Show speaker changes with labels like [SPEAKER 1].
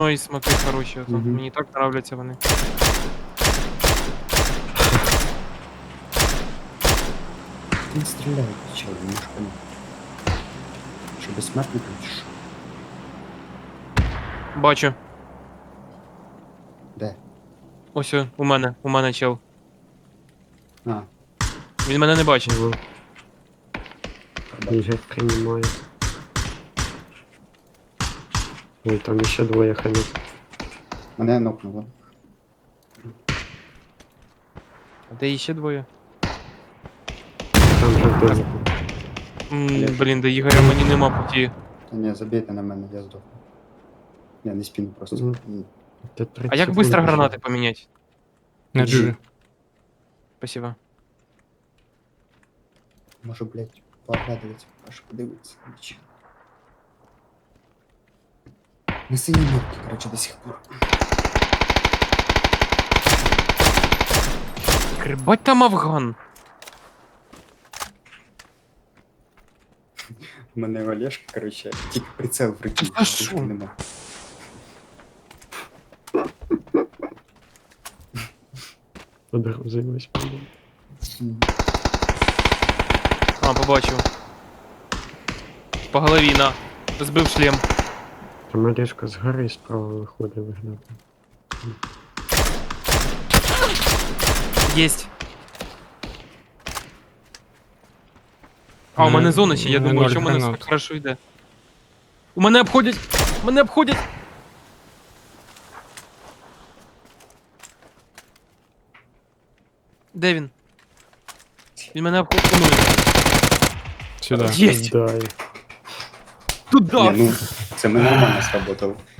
[SPEAKER 1] Ой, смотри, хороші. Ото.
[SPEAKER 2] Мгм.
[SPEAKER 1] Мені так нравляться вони.
[SPEAKER 2] Він стріляє, чел, не можу понять. Що безсмертний там, чи що?
[SPEAKER 1] Бачу.
[SPEAKER 2] Де?
[SPEAKER 1] Ось у мене чел.
[SPEAKER 2] А,
[SPEAKER 1] Він мене не бачить.
[SPEAKER 3] Ага,
[SPEAKER 2] бачу.
[SPEAKER 3] Ігор приймає. Ой, там ще двоє ханів.
[SPEAKER 2] Мене нокнуло.
[SPEAKER 1] А де іще двоє?
[SPEAKER 3] Там же вбили.
[SPEAKER 1] Блін, до Ігоря мені нема путі.
[SPEAKER 2] Та ні, забійте на мене, я здохну. Я не спіну просто.
[SPEAKER 3] Мгм.
[SPEAKER 2] Ні.
[SPEAKER 3] Ти 30
[SPEAKER 1] А як
[SPEAKER 3] секунд
[SPEAKER 1] быстро
[SPEAKER 3] пішов.
[SPEAKER 1] гранати поміняти?
[SPEAKER 4] На джи.
[SPEAKER 1] Спасибо.
[SPEAKER 2] Можу, блядь, пообрадуватися, аж подивитися. Нічого. На синій нотці, короче, до сих пор.
[SPEAKER 1] Крибать там афган.
[SPEAKER 2] У мене Олешка, короче, тільки прицел в руки.
[SPEAKER 1] А що?
[SPEAKER 2] більше нема.
[SPEAKER 3] Подрузились.
[SPEAKER 2] Мгм.
[SPEAKER 1] А, побачив. По голові, на. Збив шлем.
[SPEAKER 3] Там Олежка з гори справа виходить виглядати.
[SPEAKER 1] Єсть. А, у мене зона ще, я
[SPEAKER 4] мене
[SPEAKER 1] думаю,
[SPEAKER 4] ноль
[SPEAKER 1] що в мене все
[SPEAKER 4] гранат.
[SPEAKER 1] так хорошо йде. У мене обходять! Мене обходять! Де він? Він мене обходить.
[SPEAKER 4] Сюда.
[SPEAKER 1] Єсть!
[SPEAKER 3] Дай.
[SPEAKER 1] Туда!
[SPEAKER 2] Ні, ну, це ми нормально сработало.